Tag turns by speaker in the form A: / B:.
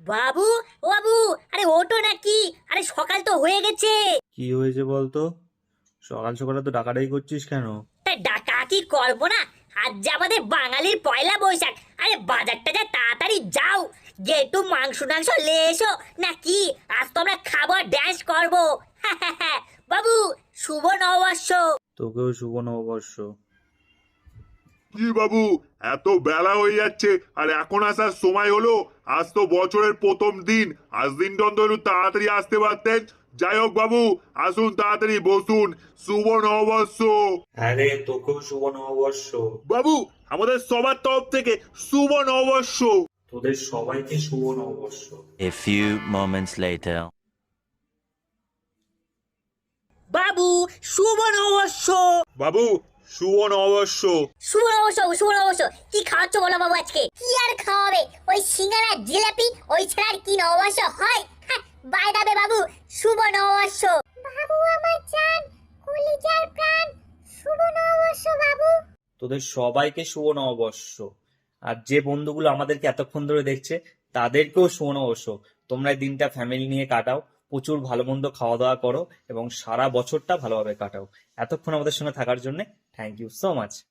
A: বাবু, ও বাবু, আরে ওঠো নাকি? আরে সকাল তো হয়ে গেছে।
B: কি হয়েছে বলতো? সকাল সকালে তো ডাকাডাকি করছিস কেন?
A: তা ডাকা কি করবো না? আজ যে আমাদের বাঙালির পয়লা বৈশাখ। আরে বাজারটা যা তাড়াতাড়ি যাও, গিয়ে একটু মাংস টাংস লে এসো নাকি। আজ তো আমরা খাবো আর ড্যান্স করবো। বাবু, শুভ নববর্ষ।
B: তোকেও শুভ নববর্ষ।
C: কি বাবু, এত বেলা হয়ে যাচ্ছে আর এখন আসার সময় হলো? আজ তো বছরের প্রথম দিন, আজ দিনটা অন্তত একটু তাড়াতাড়ি আসতে পারতেন। যাই হোক বাবু, আসুন তাড়াতাড়ি বসুন। শুভ নববর্ষ।
B: আরে তোকেও শুভ নববর্ষ।
C: বাবু, আমাদের সবার তরফ থেকে শুভ নববর্ষ।
B: তোদের সবাইকে শুভ নববর্ষ।
D: A few moments later.
A: বাবু, শুভ নববর্ষ।
C: বাবু, শুভ নববর্ষ।
A: শুভ নববর্ষ, শুভ নববর্ষ। কি খাওয়াচ্ছ বলো বাবু আজকে? কি আর খাওয়াবে? ওই সিঙ্গারা জিলাপি, ওই ছাড়া আর কি নববর্ষ হয়? বাই দাবে বাবু, শুভ নববর্ষ। বাবু আমার জান, কলিজার প্রাণ, শুভ নববর্ষ বাবু।
B: তোদের সবাইকে শুভ নববর্ষ। আর যে বন্ধুগুলো আমাদেরকে এতক্ষণ ধরে দেখছে তাদেরকেও শুভ নববর্ষ। তোমরা এই দিনটা ফ্যামিলি নিয়ে কাটাও, প্রচুর ভালো মন্দ খাওয়া দাওয়া করো এবং সারা বছরটা ভালোভাবে কাটাও। এতক্ষণ আমাদের সঙ্গে থাকার জন্য থ্যাংক ইউ সো মাচ।